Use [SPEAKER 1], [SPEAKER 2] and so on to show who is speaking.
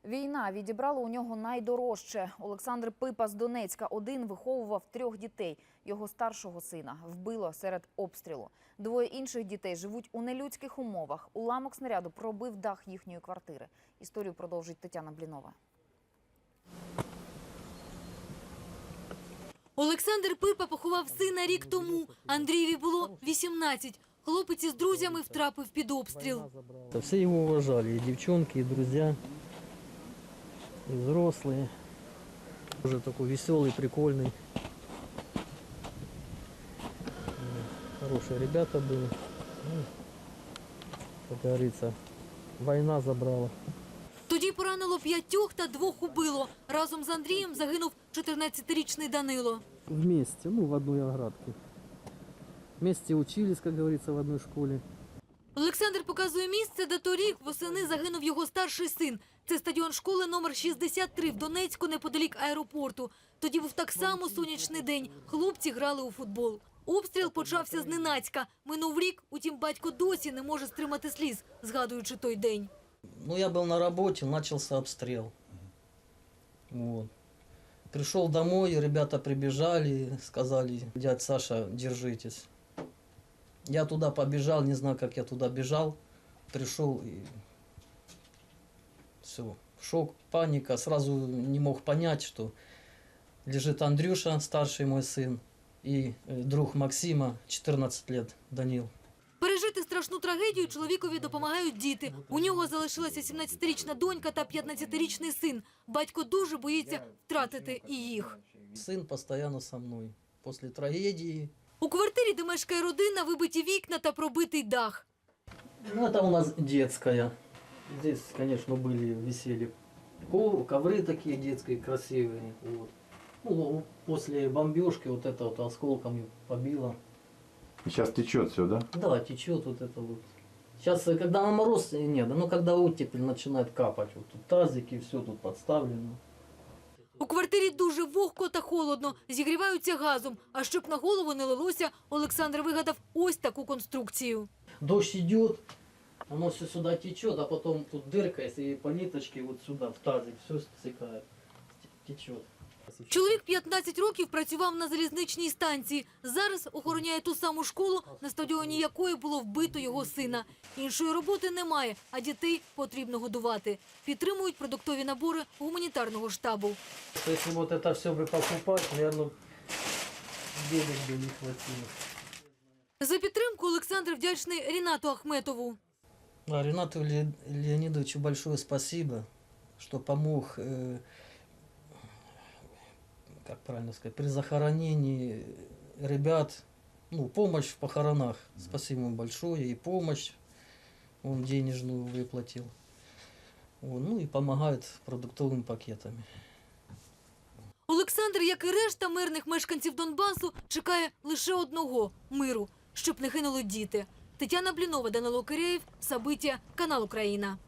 [SPEAKER 1] Війна відібрала у нього найдорожче. Олександр Пипа з Донецька один виховував 3 дітей. Його старшого сина вбило серед обстрілу. 2 інших дітей живуть у нелюдських умовах. Уламок снаряду пробив дах їхньої квартири. Історію продовжить Тетяна Блінова.
[SPEAKER 2] Олександр Пипа поховав сина рік тому. Андрієві було 18. Хлопець із друзями втрапив під обстріл.
[SPEAKER 3] Все его уважали, и девчонки, и друзья, и взрослые. Уже такой веселый, прикольный. Хорошие ребята были. Ну, как говорится, война забрала.
[SPEAKER 2] Тоді поранило 5 та 2 убило. Разом з Андрієм загинув 14-річний Данило.
[SPEAKER 3] Вместе, в одной оградке. Вместе учились, как говорится, в одной школе.
[SPEAKER 2] Олександр показує місце, де торік восени загинув його старший син. Це стадіон школи номер 63 в Донецьку, неподалік аеропорту. Тоді був так само сонячний день. Хлопці грали у футбол. Обстріл почався зненацька. Минув рік, утім батько досі не може стримати сліз, згадуючи той день.
[SPEAKER 3] Ну, я был на работе, начался обстрел. Вот. Пришел домой, ребята прибежали, сказали: дядь Саша, держитесь. Я туда побежал, не знаю, как я туда бежал. Пришел и все. Шок, паника. Сразу не мог понять, что лежит Андрюша, старший мой сын, и друг Максима, 14 лет, Данил.
[SPEAKER 2] Пережити страшну трагедію чоловікові допомагають діти. У нього залишилася 17-річна донька та 15-річний син. Батько дуже боїться втратити і їх.
[SPEAKER 3] Сын постоянно со мной. После трагедии.
[SPEAKER 2] У квартирі, де мешкає родина, вибиті вікна та пробитий дах.
[SPEAKER 3] Ну, это у нас детская. Здесь, конечно, висели ковры такие детские, красивые. Вот. Ну, после бомбежки вот это вот осколками побило.
[SPEAKER 4] Сейчас течет все, да?
[SPEAKER 3] Да, течет вот это вот. Сейчас, когда на мороз, нет, но когда оттепель начинает капать, вот тут тазики, все тут подставлено.
[SPEAKER 2] У квартирі дуже вогко та холодно, зігріваються газом. А щоб на голову не лилося, Олександр вигадав ось таку конструкцію.
[SPEAKER 3] Дождь идет, оно все сюда течет, а потом тут дырка, и по ниточке вот сюда, в тазик, все стекает, течет.
[SPEAKER 2] Чоловік 15 років працював на залізничній станції. Зараз охороняє ту саму школу, на стадіоні якої було вбито його сина. Іншої роботи немає, а дітей потрібно годувати. Підтримують продуктові набори гуманітарного штабу.
[SPEAKER 3] Если вот это все бы покупать, наверное, денег бы не хватило.
[SPEAKER 2] За підтримку Олександр вдячний Рінату Ахметову.
[SPEAKER 3] Ренату Леонидовичу большое спасибо, что помог, как правильно сказать, при захоронении ребят, ну, помощь в похоронах. Спасибо ему большое, и помощь он денежную выплатил. Ну и помогает продуктовыми пакетами.
[SPEAKER 2] Олександр, як і решта мирних мешканців Донбасу, чекає лише одного – миру, щоб не гинули діти. Тетяна Блінова, Данило Кирєєв, Сабиття, канал Україна.